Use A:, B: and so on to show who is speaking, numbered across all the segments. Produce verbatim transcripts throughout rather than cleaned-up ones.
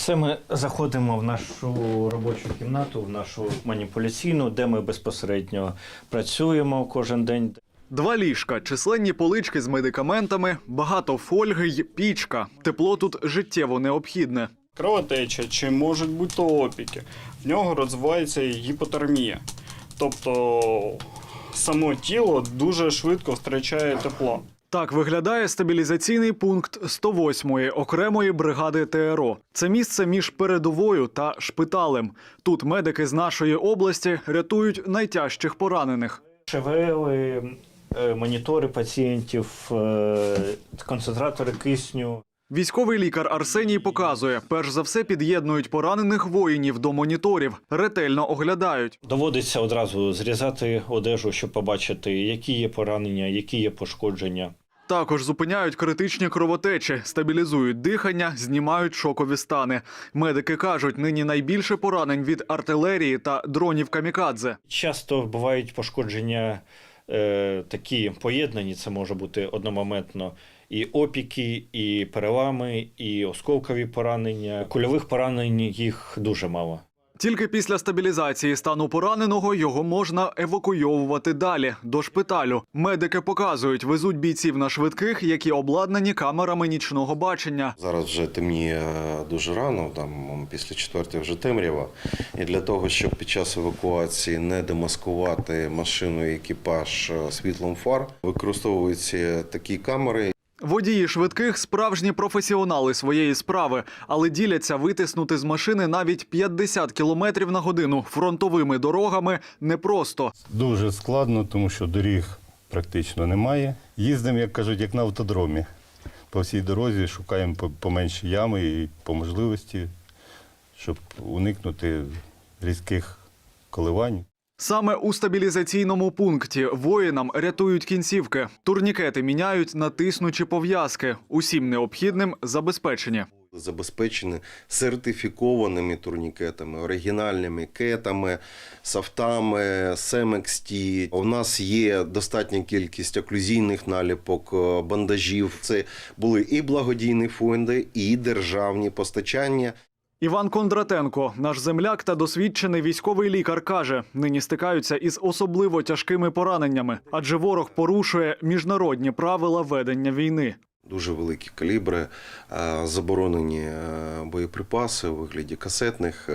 A: Це ми заходимо в нашу робочу кімнату, в нашу маніпуляційну, де ми безпосередньо працюємо кожен день.
B: Два ліжка, численні полички з медикаментами, багато фольги й пічка. Тепло тут життєво необхідне.
C: Кровотеча чи можуть бути то опіки. В нього розвивається гіпотермія. Тобто само тіло дуже швидко втрачає тепло.
B: Так виглядає стабілізаційний пункт сто восьмої окремої бригади ТРО. Це місце між передовою та шпиталем. Тут медики з нашої області рятують найтяжчих поранених.
A: ШВЛи, монітори пацієнтів, концентратори кисню.
B: Військовий лікар Арсеній показує, перш за все під'єднують поранених воїнів до моніторів, ретельно оглядають.
A: Доводиться одразу зрізати одежу, щоб побачити, які є поранення, які є пошкодження.
B: Також зупиняють критичні кровотечі, стабілізують дихання, знімають шокові стани. Медики кажуть, нині найбільше поранень від артилерії та дронів камікадзе.
A: Часто бувають пошкодження е, такі поєднані, це може бути одномоментно. І опіки, і перелами, і осколкові поранення. Кульових поранень їх дуже мало.
B: Тільки після стабілізації стану пораненого його можна евакуйовувати далі, до шпиталю. Медики показують, везуть бійців на швидких, які обладнані камерами нічного бачення.
D: Зараз вже темніє дуже рано, там після четвертої вже темрява. І для того, щоб під час евакуації не демаскувати машину і екіпаж світлом фар, використовуються такі камери.
B: Водії швидких – справжні професіонали своєї справи, але діляться витиснути з машини навіть п'ятдесят кілометрів на годину фронтовими дорогами непросто.
E: Дуже складно, тому що доріг практично немає. Їздимо, як кажуть, як на автодромі. По всій дорозі шукаємо поменші ями і по можливості, щоб уникнути різких коливань.
B: Саме у стабілізаційному пункті воїнам рятують кінцівки. Турнікети міняють на тиснучі пов'язки. Усім необхідним забезпечені.
D: Забезпечені сертифікованими турнікетами, оригінальними кетами, софтами, Семексті. У нас є достатня кількість оклюзійних наліпок, бандажів. Це були і благодійні фонди, і державні постачання.
B: Іван Кондратенко, наш земляк та досвідчений військовий лікар, каже, нині стикаються із особливо тяжкими пораненнями, адже ворог порушує міжнародні правила ведення війни.
D: Дуже великі калібри, заборонені боєприпаси у вигляді касетних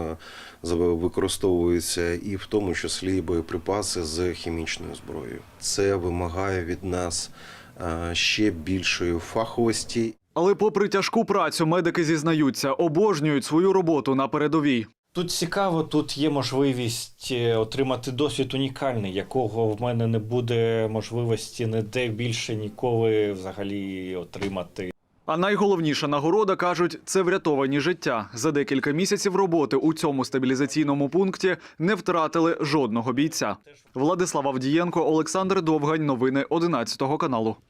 D: використовуються і в тому числі боєприпаси з хімічною зброєю. Це вимагає від нас ще більшої фаховості.
B: Але попри тяжку працю, медики зізнаються, обожнюють свою роботу на передовій.
A: Тут цікаво, тут є можливість отримати досвід унікальний, якого в мене не буде можливості ніде більше ніколи взагалі отримати.
B: А найголовніша нагорода, кажуть, це врятовані життя. За декілька місяців роботи у цьому стабілізаційному пункті не втратили жодного бійця. Владислав Авдієнко, Олександр Довгань. Новини одинадцятого каналу.